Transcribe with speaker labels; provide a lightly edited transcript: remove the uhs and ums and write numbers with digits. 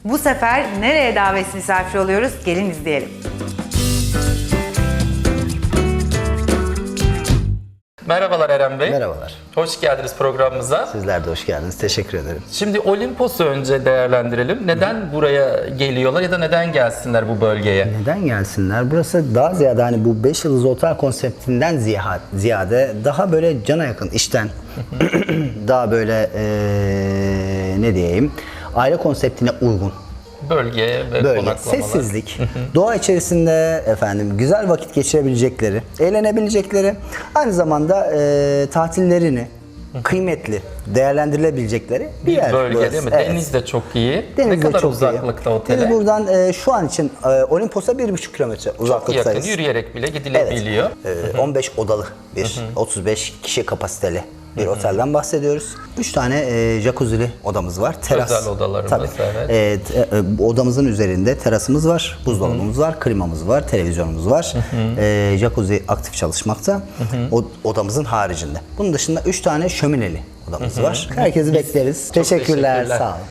Speaker 1: Bu sefer nereye davet misafir oluyoruz? Gelin izleyelim.
Speaker 2: Merhabalar Eren Bey.
Speaker 3: Merhabalar.
Speaker 2: Hoş geldiniz programımıza.
Speaker 3: Sizler de hoş geldiniz. Teşekkür ederim.
Speaker 2: Şimdi Olimpos'u önce değerlendirelim. Neden buraya geliyorlar ya da neden gelsinler bu bölgeye?
Speaker 3: Neden gelsinler? Burası daha ziyade hani bu 5 yıldızlı otel konseptinden ziyade daha böyle cana yakın işten daha böyle ne diyeyim aile konseptine uygun.
Speaker 2: Bölge ve
Speaker 3: Böyle
Speaker 2: konaklamalar.
Speaker 3: sessizlik, doğa içerisinde güzel vakit geçirebilecekleri, eğlenebilecekleri, aynı zamanda tatillerini kıymetli değerlendirilebilecekleri bir yer
Speaker 2: Bölge
Speaker 3: burası.
Speaker 2: değil mi?
Speaker 3: Evet.
Speaker 2: Deniz de çok iyi.
Speaker 3: Deniz
Speaker 2: Ne
Speaker 3: de
Speaker 2: kadar
Speaker 3: çok
Speaker 2: uzaklıkta
Speaker 3: iyi.
Speaker 2: otele?
Speaker 3: Deniz buradan şu an için Olimpos'a 1,5 kilometre
Speaker 2: Çok yakın,
Speaker 3: uzaklıktayız.
Speaker 2: yürüyerek bile gidilebiliyor.
Speaker 3: 15 odalı bir 35 kişi kapasiteli bir otelden bahsediyoruz. 3 tane jacuzzi'li odamız var. Teras.
Speaker 2: Özel odalarımız,
Speaker 3: Tabii.
Speaker 2: evet.
Speaker 3: Odamızın üzerinde terasımız var, buzdolabımız var, klimamız var, televizyonumuz var. Jacuzzi aktif çalışmakta. Odamızın haricinde. Bunun dışında 3 tane şömineli odamız var. Herkesi bekleriz. Teşekkürler.
Speaker 2: teşekkürler.
Speaker 3: Sağ olun.